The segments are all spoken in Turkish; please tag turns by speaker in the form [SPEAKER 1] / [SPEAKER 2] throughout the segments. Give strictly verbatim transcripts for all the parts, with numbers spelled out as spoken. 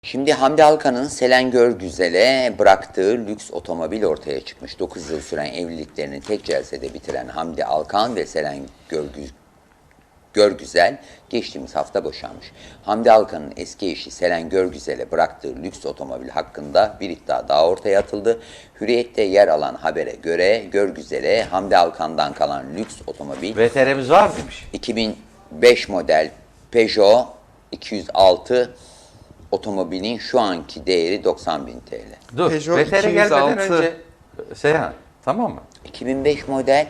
[SPEAKER 1] Şimdi Hamdi Alkan'ın Selen Görgüzel'e bıraktığı lüks otomobil ortaya çıkmış. dokuz yıl süren evliliklerini tek celsede bitiren Hamdi Alkan ve Selen Görgü, Görgüzel geçtiğimiz hafta boşanmış. Hamdi Alkan'ın eski eşi Selen Görgüzel'e bıraktığı lüks otomobil hakkında bir iddia daha ortaya atıldı. Hürriyet'te yer alan habere göre Görgüzel'e Hamdi Alkan'dan kalan lüks otomobil
[SPEAKER 2] V T R'miz var mıymış?
[SPEAKER 1] iki bin beş model Peugeot iki yüz altı otomobilin şu anki değeri doksan bin T L.
[SPEAKER 2] Dur,
[SPEAKER 3] Peugeot
[SPEAKER 2] V T R gelmeden
[SPEAKER 3] iki yüz altı.
[SPEAKER 2] önce Seyhan, tamam mı?
[SPEAKER 1] iki bin beş model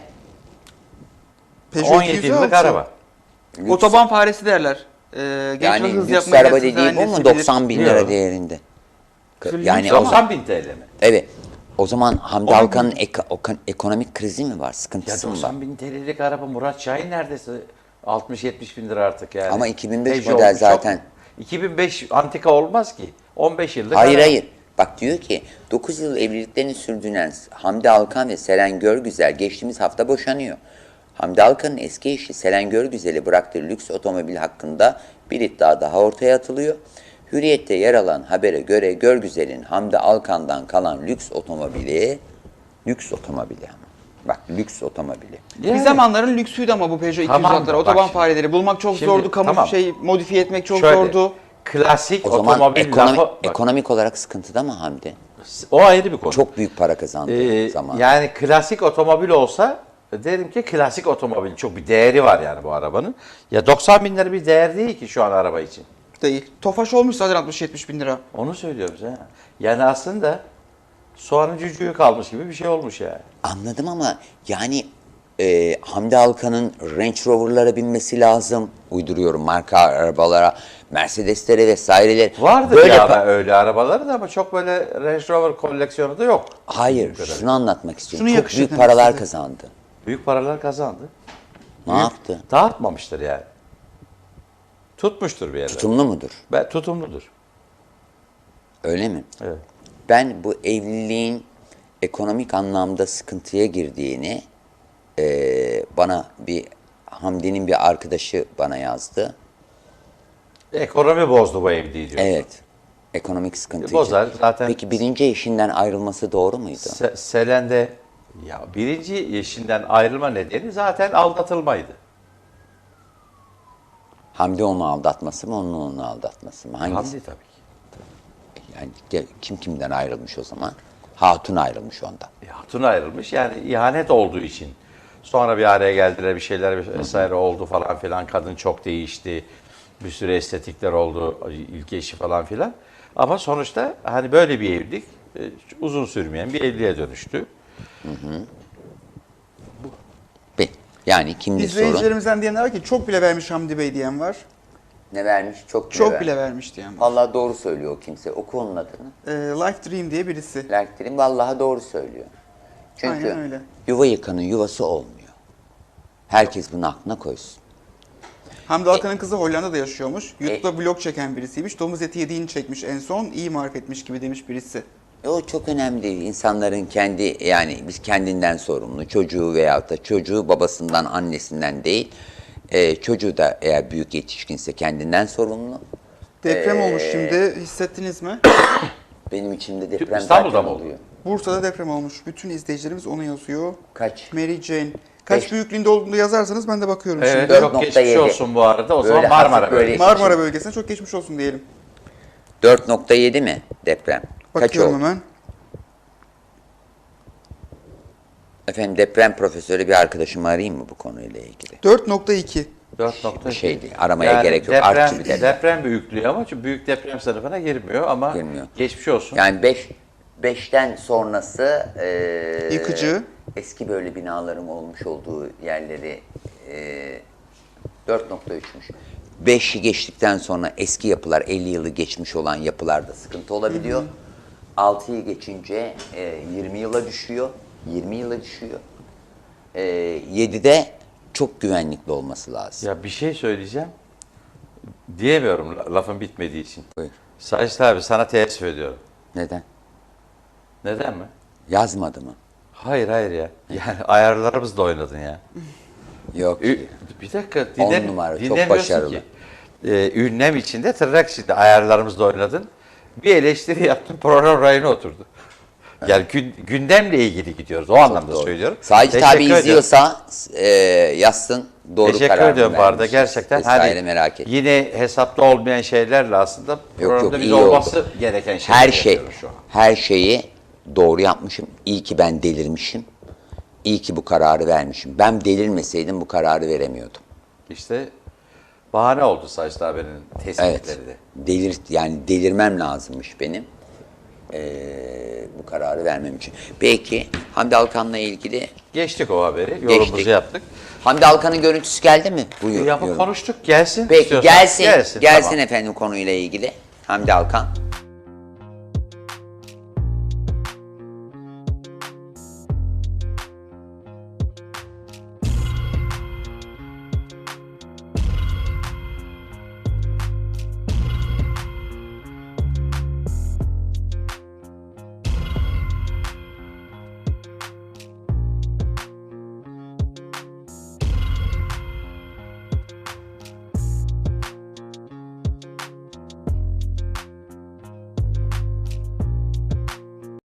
[SPEAKER 3] Peugeot
[SPEAKER 2] on yedi yıllık araba.
[SPEAKER 1] lüks,
[SPEAKER 3] Otoban faresi derler. Ee, genç
[SPEAKER 1] yani
[SPEAKER 3] hız
[SPEAKER 1] lüks
[SPEAKER 3] yapmaya
[SPEAKER 1] araba
[SPEAKER 3] gelsin,
[SPEAKER 1] dediğim bu
[SPEAKER 3] annesi
[SPEAKER 1] mu?
[SPEAKER 3] bilir.
[SPEAKER 1] doksan bin
[SPEAKER 2] Yok.
[SPEAKER 1] lira değerinde. Yani o zaman,
[SPEAKER 2] doksan bin T L mi?
[SPEAKER 1] evet. O zaman Hamdi
[SPEAKER 3] Onun-
[SPEAKER 1] Alkan'ın eko- okan- ekonomik krizi mi var?
[SPEAKER 2] Ya
[SPEAKER 1] Sıkıntısı mı var?
[SPEAKER 2] doksan bin T L'lik araba Murat Şahin neredeyse altmış yetmiş bin lira artık yani.
[SPEAKER 1] Ama iki bin beş
[SPEAKER 2] Peugeot
[SPEAKER 1] model
[SPEAKER 2] olmuş, çok
[SPEAKER 1] zaten.
[SPEAKER 2] mu? iki bin beş antika olmaz ki. on beş yıllık
[SPEAKER 1] Hayır
[SPEAKER 2] araba.
[SPEAKER 1] hayır. Bak diyor ki dokuz yıl evliliklerini sürdüren Hamdi Alkan ve Selen Görgüzel geçtiğimiz hafta boşanıyor. Hamdi Alkan'ın eski eşi Selen Görgüzel'e bıraktığı lüks otomobil hakkında bir iddia daha ortaya atılıyor. Hürriyet'te yer alan habere göre Görgüzel'in Hamdi Alkan'dan kalan lüks otomobili, lüks otomobili ama. Bak lüks otomobili.
[SPEAKER 3] Bir
[SPEAKER 2] Yani.
[SPEAKER 3] zamanların lüksüydü ama bu Peugeot
[SPEAKER 2] Tamam,
[SPEAKER 3] iki yüz altılar.
[SPEAKER 2] bak
[SPEAKER 3] Otoban
[SPEAKER 2] şimdi.
[SPEAKER 3] fareleri bulmak çok
[SPEAKER 2] Şimdi,
[SPEAKER 3] zordu. Kamu
[SPEAKER 2] tamam.
[SPEAKER 3] şey modifiye etmek çok
[SPEAKER 2] Şöyle,
[SPEAKER 3] zordu.
[SPEAKER 2] Klasik
[SPEAKER 1] O zaman
[SPEAKER 2] otomobil
[SPEAKER 1] ekonomi,
[SPEAKER 2] lafı, bak,
[SPEAKER 1] ekonomik olarak sıkıntıda mı Hamdi?
[SPEAKER 2] o ayrı bir konu.
[SPEAKER 1] Çok büyük para kazandığı
[SPEAKER 2] Ee,
[SPEAKER 1] zaman.
[SPEAKER 2] Yani klasik otomobil olsa derim ki klasik otomobil, çok bir değeri var yani bu arabanın. Ya doksan bin lira bir değer değil ki şu an araba için.
[SPEAKER 3] Değil. Tofaş olmuş zaten altmış yetmiş bin lira.
[SPEAKER 2] Onu söylüyoruz ha. Yani aslında soğanın cücüğü kalmış gibi bir şey olmuş yani.
[SPEAKER 1] Anladım ama yani e, Hamdi Alkan'ın Range Rover'lara binmesi lazım. Uyduruyorum marka arabalara, Mercedes'lere vesaireler.
[SPEAKER 2] Vardır
[SPEAKER 1] Böyle
[SPEAKER 2] ya
[SPEAKER 1] pa-
[SPEAKER 2] öyle arabaları da ama çok böyle Range Rover koleksiyonu da yok.
[SPEAKER 1] Hayır,
[SPEAKER 2] Bu kadar.
[SPEAKER 1] şunu anlatmak istiyorum.
[SPEAKER 3] Şunu
[SPEAKER 1] Çok
[SPEAKER 3] yakışır
[SPEAKER 1] büyük
[SPEAKER 3] demek
[SPEAKER 1] paralar
[SPEAKER 3] istedi.
[SPEAKER 1] kazandı.
[SPEAKER 2] Büyük paralar kazandı.
[SPEAKER 1] Ne yaptı?
[SPEAKER 2] Dağıtmamıştır yani. Tutmuştur bir yerde.
[SPEAKER 1] Tutumlu mudur?
[SPEAKER 2] Ben, tutumludur.
[SPEAKER 1] Öyle mi?
[SPEAKER 2] Evet.
[SPEAKER 1] Ben bu evliliğin ekonomik anlamda sıkıntıya girdiğini e, bana bir Hamdi'nin bir arkadaşı bana yazdı.
[SPEAKER 2] Ekonomi bozdu bu evliliği diyor.
[SPEAKER 1] Evet. Ekonomik sıkıntı
[SPEAKER 2] Bozar
[SPEAKER 1] için.
[SPEAKER 2] zaten.
[SPEAKER 1] Peki birinci eşinden ayrılması doğru muydu?
[SPEAKER 2] Se- Selen'de ya birinci eşinden ayrılma nedeni zaten aldatılmaydı.
[SPEAKER 1] Hamdi onu aldatması mı, onun onu aldatması mı? Hangisi?
[SPEAKER 2] Hamdi tabii ki.
[SPEAKER 1] Yani de- kim kimden ayrılmış o zaman? Hatun ayrılmış ondan.
[SPEAKER 2] E, Hatun ayrılmış yani ihanet olduğu için. Sonra bir araya geldiler, bir şeyler vesaire oldu falan filan. Kadın çok değişti. Bir sürü estetikler oldu. İlk eşi falan filan. Ama sonuçta hani böyle bir evlilik e, uzun sürmeyen bir evliliğe dönüştü.
[SPEAKER 1] Be- Yani kimdi sorun?
[SPEAKER 3] İzleyicilerimizden diyenler var ki çok bile vermiş Hamdi Bey diyen var.
[SPEAKER 1] Ne vermiş? Çok bile
[SPEAKER 3] Çok
[SPEAKER 1] vermiş.
[SPEAKER 3] bile vermiş diyen var.
[SPEAKER 1] Vallahi doğru söylüyor o kimse. Oku onun adını.
[SPEAKER 3] Ee, Life Dream diye birisi.
[SPEAKER 1] Lerklerin vallahi doğru söylüyor. Çünkü
[SPEAKER 3] Aynen öyle.
[SPEAKER 1] yuva yıkanın yuvası olmuyor. Herkes bunu aklına koysun.
[SPEAKER 3] Hamdi Alkan'ın kızı Hollanda'da yaşıyormuş. YouTube'da vlog çeken birisiymiş. Domuz eti yediğini çekmiş en son. İyi marifetmiş gibi demiş birisi.
[SPEAKER 1] E o çok önemli değil. İnsanların kendi yani biz kendinden sorumlu. Çocuğu veyahut da çocuğu babasından annesinden değil. E, çocuğu da eğer büyük yetişkinse kendinden sorumlu.
[SPEAKER 3] Deprem
[SPEAKER 1] Ee,
[SPEAKER 3] olmuş şimdi. Hissettiniz mi?
[SPEAKER 1] Benim içimde deprem
[SPEAKER 2] İstanbul'da
[SPEAKER 1] zaten
[SPEAKER 2] mı oldu?
[SPEAKER 1] oluyor.
[SPEAKER 3] Bursa'da deprem olmuş. Bütün izleyicilerimiz onu yazıyor.
[SPEAKER 1] Kaç?
[SPEAKER 3] Mary Jane. Kaç
[SPEAKER 1] Beş.
[SPEAKER 3] büyüklüğünde olduğunu yazarsanız ben de bakıyorum
[SPEAKER 2] Evet,
[SPEAKER 3] şimdi.
[SPEAKER 1] dört
[SPEAKER 2] çok
[SPEAKER 1] nokta
[SPEAKER 2] geçmiş
[SPEAKER 1] yedi.
[SPEAKER 2] olsun bu arada. O
[SPEAKER 1] Böyle
[SPEAKER 2] zaman Marmara
[SPEAKER 1] hafif böyle-
[SPEAKER 2] bölgesi.
[SPEAKER 3] Marmara bölgesine çok geçmiş olsun diyelim.
[SPEAKER 1] dört nokta yedi mi deprem? Kaç
[SPEAKER 3] Bakıyorum
[SPEAKER 1] oldu?
[SPEAKER 3] hemen.
[SPEAKER 1] Efendim deprem profesörü bir arkadaşımı arayayım mı bu konuyla ilgili?
[SPEAKER 3] dört nokta iki.
[SPEAKER 2] dört nokta iki.
[SPEAKER 1] Şey değil, aramaya gerek yok.
[SPEAKER 2] Deprem,
[SPEAKER 1] Artçı bir deprem.
[SPEAKER 2] deprem büyüklüğü ama çünkü büyük deprem sınıfına girmiyor ama
[SPEAKER 1] Girmiyor.
[SPEAKER 2] geçmiş olsun.
[SPEAKER 1] Yani beş beşten sonrası e,
[SPEAKER 3] Yıkıcı.
[SPEAKER 1] eski böyle binaların olmuş olduğu yerleri e, dört nokta üçmüş. beşi geçtikten sonra eski yapılar elli yılı geçmiş olan yapılarda sıkıntı olabiliyor. altıyı geçince e, yirmi yıla düşüyor. yirmi yıla düşüyor. E, yedide çok güvenlikli olması lazım.
[SPEAKER 2] Ya bir şey söyleyeceğim. Diyemiyorum la- lafın bitmediği için.
[SPEAKER 1] Buyur.
[SPEAKER 2] Sacit abi sana teessüf ediyorum.
[SPEAKER 1] Neden?
[SPEAKER 2] Neden mi?
[SPEAKER 1] Yazmadı mı?
[SPEAKER 2] Hayır hayır ya. Yani ayarlarımızla oynadın ya.
[SPEAKER 1] Yok.
[SPEAKER 2] Ü- bir dakika
[SPEAKER 1] On
[SPEAKER 2] dinle,
[SPEAKER 1] numara, çok
[SPEAKER 2] dinlemiyorsun
[SPEAKER 1] başarılı.
[SPEAKER 2] ki. Ee, ünlem içinde tırnak içinde ayarlarımızla oynadın. Bir eleştiri yaptım, program rayına oturdu. Yani gün, gündemle ilgili gidiyoruz. O anlamda
[SPEAKER 1] Doğru.
[SPEAKER 2] söylüyorum.
[SPEAKER 1] Sacit
[SPEAKER 2] Teşekkür
[SPEAKER 1] abi
[SPEAKER 2] ediyorum.
[SPEAKER 1] izliyorsa e, yazsın. Doğru
[SPEAKER 2] Teşekkür
[SPEAKER 1] karar
[SPEAKER 2] ediyorum bu arada
[SPEAKER 1] vermiş
[SPEAKER 2] gerçekten.
[SPEAKER 1] vesaire,
[SPEAKER 2] Hani
[SPEAKER 1] merak etme.
[SPEAKER 2] yine hesapta olmayan şeylerle aslında programda
[SPEAKER 1] yok,
[SPEAKER 2] biz
[SPEAKER 1] iyi
[SPEAKER 2] olması gereken şeyler
[SPEAKER 1] Her şey,
[SPEAKER 2] yapıyoruz şu an.
[SPEAKER 1] her şeyi doğru yapmışım. İyi ki ben delirmişim. İyi ki bu kararı vermişim. Ben delirmeseydim bu kararı veremiyordum.
[SPEAKER 2] İşte bahane oldu Sacit abinin tespitleri
[SPEAKER 1] Evet.
[SPEAKER 2] de.
[SPEAKER 1] Delir, yani delirmem lazımmış benim. Ee, bu kararı vermem için. Peki Hamdi Alkan'la ilgili
[SPEAKER 2] Geçtik o haberi. Yorumumuzu
[SPEAKER 1] Geçtik.
[SPEAKER 2] yaptık.
[SPEAKER 1] Hamdi Alkan'ın görüntüsü geldi mi? Bu yor-
[SPEAKER 2] Yapıp
[SPEAKER 1] yorum.
[SPEAKER 2] konuştuk. Gelsin.
[SPEAKER 1] Peki
[SPEAKER 2] istiyorsan.
[SPEAKER 1] gelsin. Gelsin,
[SPEAKER 2] tamam.
[SPEAKER 1] efendim konuyla ilgili. Hamdi Alkan.